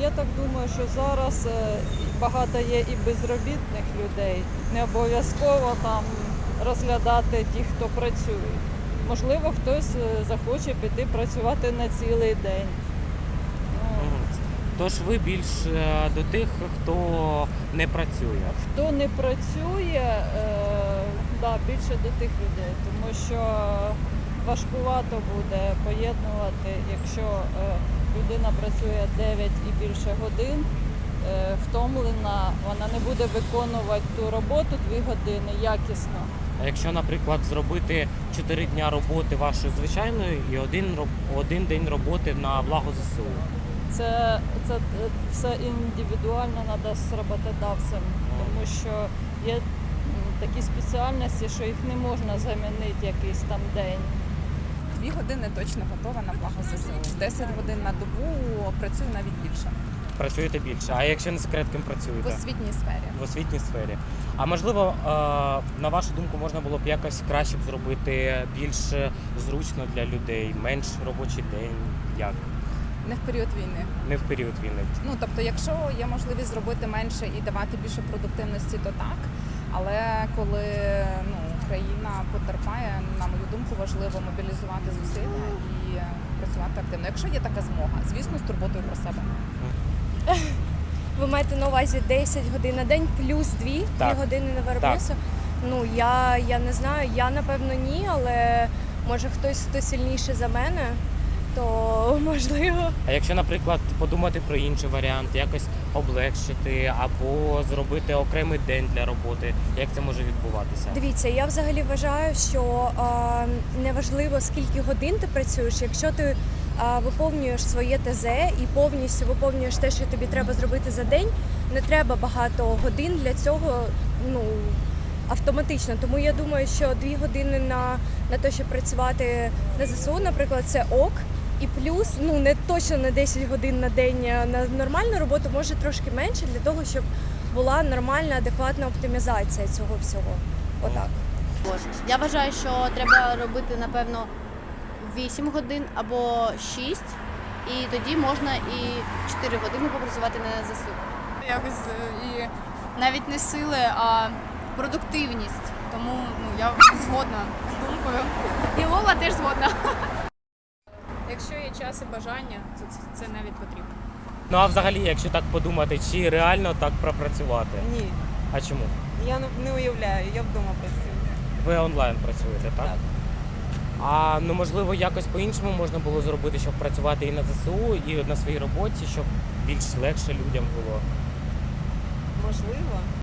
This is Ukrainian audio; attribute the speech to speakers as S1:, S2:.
S1: я так думаю, що зараз багато є і безробітних людей. Не обов'язково там розглядати тих, хто працює. Можливо, хтось захоче піти працювати на цілий день.
S2: Тож ви більш до тих, хто не працює.
S1: Хто не працює, більше до тих людей, тому що важкувато буде поєднувати, якщо людина працює 9 і більше годин, втомлена, вона не буде виконувати ту роботу 2 години якісно.
S2: А якщо, наприклад, зробити 4 дня роботи вашої звичайної і один день роботи на благо ЗСУ?
S1: Це все індивідуально треба з роботодавцем, тому що є такі спеціальності, що їх не можна замінити якийсь там день.
S3: 2 години точно готова на благо ЗСУ. 10 годин на добу працюю навіть більше.
S2: Працюєте більше. А якщо не секрет, ким
S3: В
S2: працюєте?
S3: освітній сфері.
S2: В освітній сфері. А можливо, на вашу думку, можна було б якось краще б зробити більш зручно для людей, менш робочий день? Як?
S3: Не в період війни.
S2: Не в період війни.
S3: Ну, тобто, якщо є можливість зробити менше і давати більше продуктивності, то так. Але коли країна потерпає, на мою думку, важливо мобілізувати зусилля і працювати активно. Якщо є така змога, звісно, з турботою про себе.
S4: Ви маєте на увазі 10 годин на день плюс 2 години на виробництво? Ну, я не знаю, я напевно ні, але може хтось, хто сильніший за мене, то можливо.
S2: А якщо, наприклад, подумати про інший варіант, якось облегшити або зробити окремий день для роботи, як це може відбуватися?
S4: Дивіться, я взагалі вважаю, що неважливо, скільки годин ти працюєш, якщо ти виповнюєш своє ТЗ і повністю виповнюєш те, що тобі треба зробити за день, не треба багато годин для цього, автоматично. Тому я думаю, що 2 години на те, щоб працювати на ЗСУ, наприклад, це ок. І плюс, не точно не 10 годин на день на нормальну роботу, може трошки менше, для того, щоб була нормальна, адекватна оптимізація цього всього. Отак.
S5: Я вважаю, що треба робити, напевно, 8 годин або 6, і тоді можна і 4 години попрацювати на ЗСУ.
S6: Якось і навіть не сили, а продуктивність. Тому я згодна з думкою. І Вова теж згодна. Якщо є час і бажання, то це навіть потрібно.
S2: Ну а взагалі, якщо так подумати, чи реально так пропрацювати?
S7: Ні,
S2: А чому?
S7: я не уявляю, я вдома працюю.
S2: Ви онлайн працюєте, так?
S7: Так.
S2: А можливо, якось по-іншому можна було зробити, щоб працювати і на ЗСУ, і на своїй роботі, щоб більш легше людям було?
S7: Можливо.